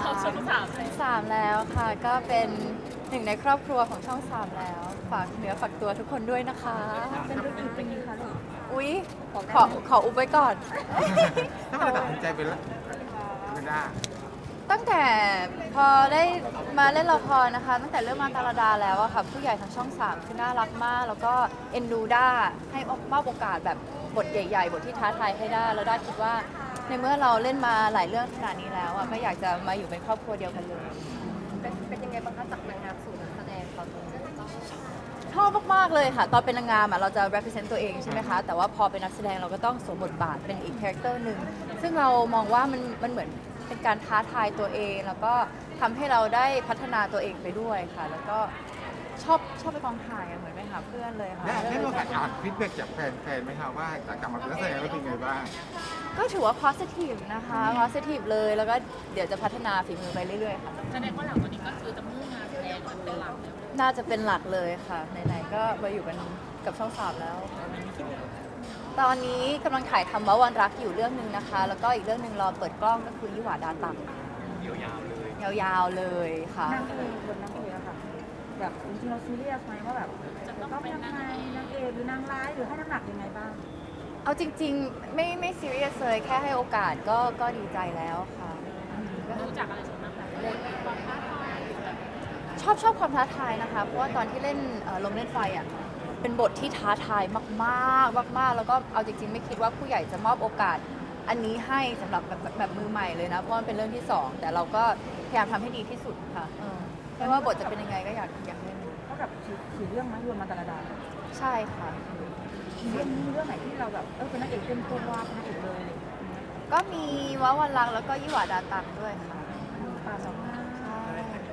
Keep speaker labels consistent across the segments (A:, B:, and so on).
A: ช่องสามเลย
B: 3แล้วค่ะก็เป็นหนึ่งในครอบครัวของช่อง3แล้วฝากเนื้อฝากตัวทุกคนด้วยนะคะ
C: เป็นเรื่องอีกเป็นยังไงคะลูก
B: อุ๊ยขออุบไว้ก่อน
D: ถ้ามันตัดสินใจเป็นละไม่ได้
B: ตั้งแต่พอได้มาเล่นละครนะคะ ตั้งแต่เริ่มมาตาลดาแล้วอะค่ะผู้ใหญ่ทางช่อง3คือน่ารักมาก แล้วก็เอ็นดูด้าให้มอบโอกาสแบบบทใหญ่ๆบทที่ท้าทายให้ได้แล้วด้าคิดว่าในเมื่อเราเล่นมาหลายเรื่องขนาดนี้แล้วอะก็อยากจะมาอยู่เป็นครอบครัวเดียวกันเลย
C: เป็นยังไงบ้างคะจากนางงามสู่นักแสดงตอนนี้
B: ชอบมากๆเลยค่ะ ตอนเป็นนางงามอะเราจะ represent ตัวเองใช่ไหมคะ แต่ว่าพอเป็นนักแสดงเราก็ต้องสวมบทบาทเป็นอีกคาแรคเตอร์หนึ่งซึ่งเรามองว่ามันเหมือนเป็นการท้าทายตัวเอง แล้วก็ทำให้เราได้พัฒนาตัวเองไปด้วยค่ะ แล้วก็ชอบไปกองถ่ายอะเหมือนไปหาเพื่อนเลยค่ะ
D: ได้มีโอกาสอ่านฟีดแบ็กจากแฟนๆไหมครับว่าจากกรรมการนักแสดงแล้วเป็นไงบ้าง
B: ก็ถือว่า positive นะคะ positive เลยแล้วก็เดี๋ยวจะพัฒนาฝีมือไปเรื่อยๆค่ะ
A: แสดงว่าหลังจากนี้ก็คือจะมุ่งงานแสดงเป็นหลักเลย
B: น่าจะเป็นหลักเลยค่ะไหนๆก็มาอยู่กันกับช่อง3แล้ว ตอนนี้กำลังถ่ายทำว่าวันรักอยู่เรื่องหนึ่งนะคะ แล้วก็อีกเรื่องหนึ่งรอเปิดกล้องก็คือยี่หวาดาตังยาวๆเลยค่ะ
C: นางเอกบทนางเอกอะค่ะแบบจริงๆเราซีเรียสไหมว่าแบบจะต้องเป็นยังไงนางเอกหรือนางร้ายหรือให้น้ำหนักยังไงบ้าง
B: เอาจริงๆไม่ซีเรียสเลยแค่ให้โอกาสก็ดีใจแล้วค่ะก็
A: รู้จักอะไรส่วนมากแบบเล่นความท้าทายหรือแบบ
B: ชอบความท้าทายนะคะ เพราะว่าตอนที่เล่นลมเล่นไฟอ่ะเป็นบทที่ท้าทายมากๆมากๆแล้วก็เอาจริงๆไม่คิดว่าผู้ใหญ่จะมอบโอกาสอันนี้ให้สำหรับแบบมือใหม่เลยนะเพราะมันเป็นเรื่องที่สองแต่เราก็พยายามทำให้ดีที่สุดค่ะไม่ว่าบทจะเป็นยังไงก็อยากเล่น
C: เท่ากับสี่เรื่องไหมรวมมาตาลดา
B: ใช่ค่ะ
C: เรื่องนี้เรื่องไหนที่เราแบบเป็นนางเอกเต็มตัวเป็นนางเอกเลย
B: ก็มีว้าวันรักแล้วก็ยี่หวาดาตังด้วยค่ะ
C: ปลาสองหน้า
B: ใช่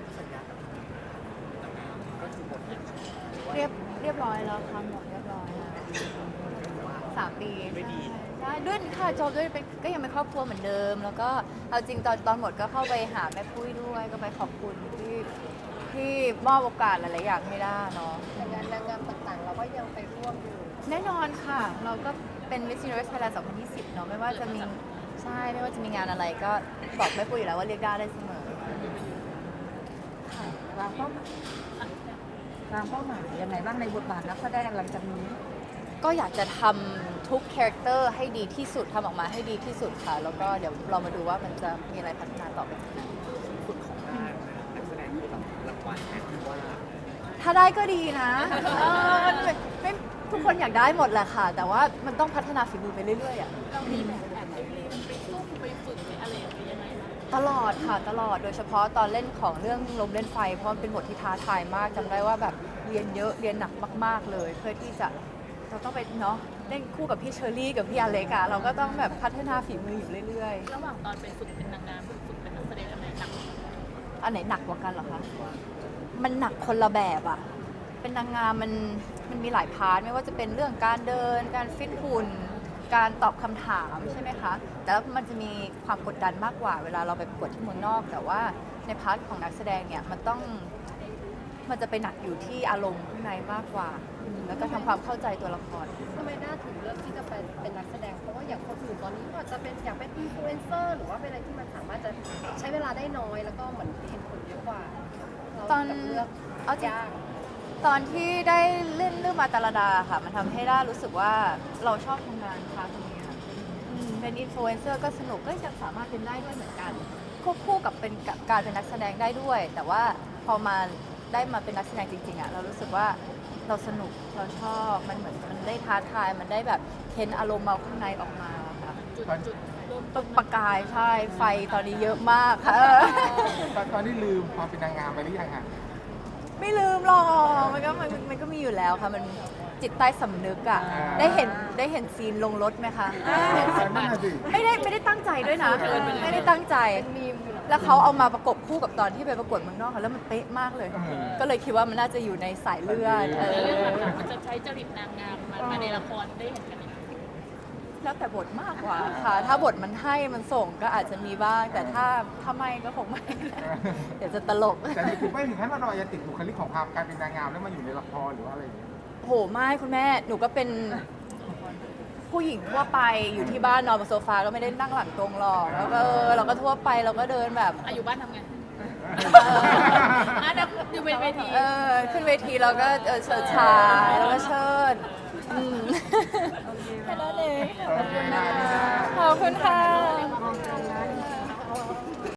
B: เรียบร้อยแล้วค่ะหมดเรียบร้อยแล้ว3 ปีใช่ด้วยค่ะจบด้วยเป็นก็ยังเป็นครอบครัวเหมือนเดิม แล้วก็เอาจริงตอนหมดก็เข้าไปหาแม่ปุ้ยด้วยก็ไปขอบคุณที่มอบโอกาสหลายๆอย่างให้ได้เนาะ
C: งานนางงามต่างๆ เราก็ยังไปร่วมอยู่
B: แน่นอนค่ะ เราก็เป็น Miss Universe Thailand 2020 เนาะไม่ว่าจะมีใช่ไม่ว่าจะมีงานอะไรก็บอกแม่ปุ้ยอยู่แล้วว่าเรียกได้เสมอ
C: วางเป้าหมายยังไงบ้างในบทบาทนักแสดงหลังจากนี้
B: ก็อยากจะทำทุกคาแรคเตอร์ให้ดีที่สุดทำออกมาให้ดีที่สุดค่ะ แล้วก็เดี๋ยวเรามาดูว่ามันจะมีอะไรพัฒนาต่อไปข้างหน้าถ้าได้ก็ดีนะไม่ทุกคนอยากได้หมดแหละค่ะ แต่ว่ามันต้องพัฒนาฝีมือไปเรื่อยๆอ่ะ
A: เรามีแบบแอบไปเรียนไปซุ่มไปฝึกไปอะไรอย่างเงี้ยยังไงบ้าง
B: ตลอดค่ะตลอดโดยเฉพาะตอนเล่นของเรื่องลมเล่นไฟ เพราะมันเป็นบทที่ท้าทายมากจำได้ว่าแบบเรียนเยอะเรียนหนักมากๆเลย เพื่อที่จะเราต้องไปเนาะเล่นคู่กับพี่เชอรี่กับพี่อเล็กอะเราก็ต้องแบบพัฒนาฝีมืออยู่เรื่อยๆ
A: ระหว่างตอนไปฝึกเป็นนางงามฝึกเป็นนักแสดงอันไหนหนัก
B: อันไหนหนักกว่ากันเหรอคะ มันหนักคนละแบบอะเป็นนางงามมันมีหลายพาร์ทไม่ว่าจะเป็นเรื่องการเดิน การฟิตหุ่น การตอบคำถามใช่ไหมคะ แต่แล้วมันจะมีความกดดันมากกว่าเวลาเราไปประกวดที่เมืองนอก แต่ว่าในพาร์ทของนักแสดงเนี่ยมันจะไปหนักอยู่ที่อารมณ์ข้างในมากกว่า แล้วก็ทำความเข้าใจตัวละคร
C: ทำไมน่าถึงเลือกที่จะเป็นนักแสดง เพราะว่าอย่างคนอื่นตอนนี้ก็จะเป็นอยากเป็นอินฟลูเอนเซอร์หรือว่าเป็นอะไรที่มันสามารถจะใช้เวลาได้น้อย แล้วก็เหมือนเห็นผลเยอะกว่าเรา
B: ตอน
C: แบบเลือก
B: เอาจริง
C: ยาก
B: ตอนที่ได้เล่นเรื่องมาตาลดาค่ะ มันทำให้ด้ารู้สึกว่าเราชอบทำงานค่ะตรงนี้ค่ะเป็นอินฟลูเอนเซอร์ก็สนุกก็ยังสามารถเป็นได้ด้วยเหมือนกันควบคู่กับเป็นการเป็นนักแสดงได้ด้วย แต่ว่าพอมาได้มาเป็นนักแสดงจริงๆอ่ะเรารู้สึกว่าเราสนุกเราชอบมันเหมือนมันได้ท้าทายมันได้แบบเค้นอารมณ์เราข้างในออกมาค่ะ
A: จุดเริ่มต้น
B: ประกายใช่ไฟตอนนี้เยอะมากค่ะ
D: ตอนนี้ลืมความเป็นนางงามไปหรือยังฮะ
B: ไม่ลืมหรอกมันก็มีอยู่แล้วค่ะมันจิตใต้สำนึกอ่ะได้เห็นซีนลงรถไหมคะ
D: นั่นน่ะสิ
B: ไม่ได้ตั้งใจด้วยนะไม่ได้ตั้งใจแล้วเขาเอามาประกบคู่กับตอนที่ไปประกวดเมืองนอกค่ะแล้วมันเป๊ะมากเลย ก็เลยคิดว่ามันน่าจะอยู่ในสายเลือด
A: ในเรื่องหลังๆมันจะใช้จริตนางงามมาในละครได้เห็นกันไหม
B: แล้วแต่บทมากกว่าค่ะ ถ้าบทมันให้มันส่งก็อาจจะมีบ้าง แต่ถ้าไม่ก็คงไม่ เดี๋ยวจะตลก
D: แต่ถึงไม่ถึงขั้นว่าเราจะติดบุคลิกของความการเป็นนางงามแล้วมาอยู่ในละครหรือว่าอะไรอย่างเงี้ย
B: โหไม่คุณแม่หนูก็เป็นผู้หญิงทั่วไปอยู่ที่บ้านนอนบนโซฟาก็ไม่ได้นั่งหลังตรงหรอกแล้วก็เราก็ทั่วไปเราก็เดินแบบ
A: อยู่บ้านทำไงนัดอยู่บนเวที
B: ขึ้นเวทีเราก็เฉิดฉายแล้วก็เชิดแค่นั้นเองขอบคุณค่ะ